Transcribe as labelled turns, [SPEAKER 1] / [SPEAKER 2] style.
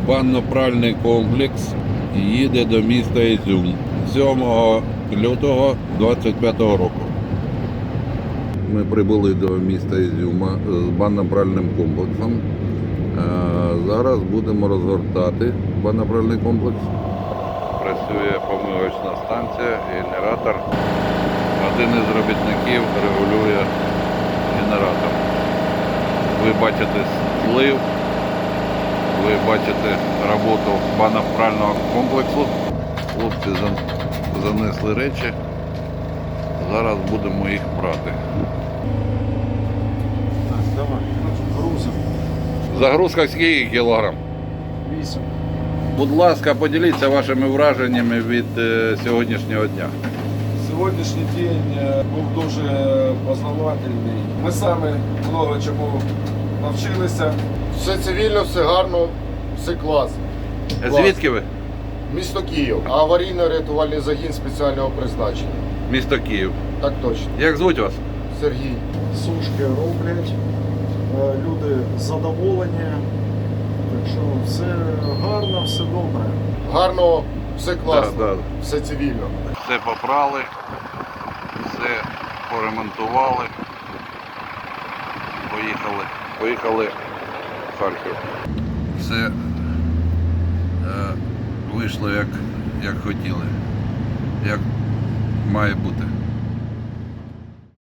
[SPEAKER 1] Банно-пральний комплекс їде до міста Ізюм 7 лютого 2025 року. Ми прибули до міста Ізюма з банно-пральним комплексом. Зараз будемо розгортати банно-пральний комплекс. Працює помивочна станція, генератор. Один із робітників регулює генератор. Ви бачите злив, ви бачите роботу банно-прального комплексу. Хлопці занесли речі. Зараз будемо їх прати.
[SPEAKER 2] Так, давай, грузом.
[SPEAKER 1] Загрузка скільки кілограм?
[SPEAKER 2] 8.
[SPEAKER 1] Будь ласка, поділіться вашими враженнями від сьогоднішнього дня.
[SPEAKER 2] Сьогоднішній день був дуже познавательний. Ми самі багато чому навчилися.
[SPEAKER 3] Все цивільно, все гарно, все клас.
[SPEAKER 1] Звідки ви?
[SPEAKER 3] Місто Київ. Аварійно-рятувальний загін спеціального призначення.
[SPEAKER 1] Місто Київ.
[SPEAKER 3] Так точно.
[SPEAKER 1] Як звуть вас?
[SPEAKER 3] Сергій.
[SPEAKER 4] Сушки роблять, люди задоволені, так що все гарно, все добре.
[SPEAKER 3] Гарно, все класно,
[SPEAKER 1] Да.
[SPEAKER 3] все цивільно.
[SPEAKER 1] Все попрали, все поремонтували. Поїхали в Харків. Все вийшло як хотіли, як має бути.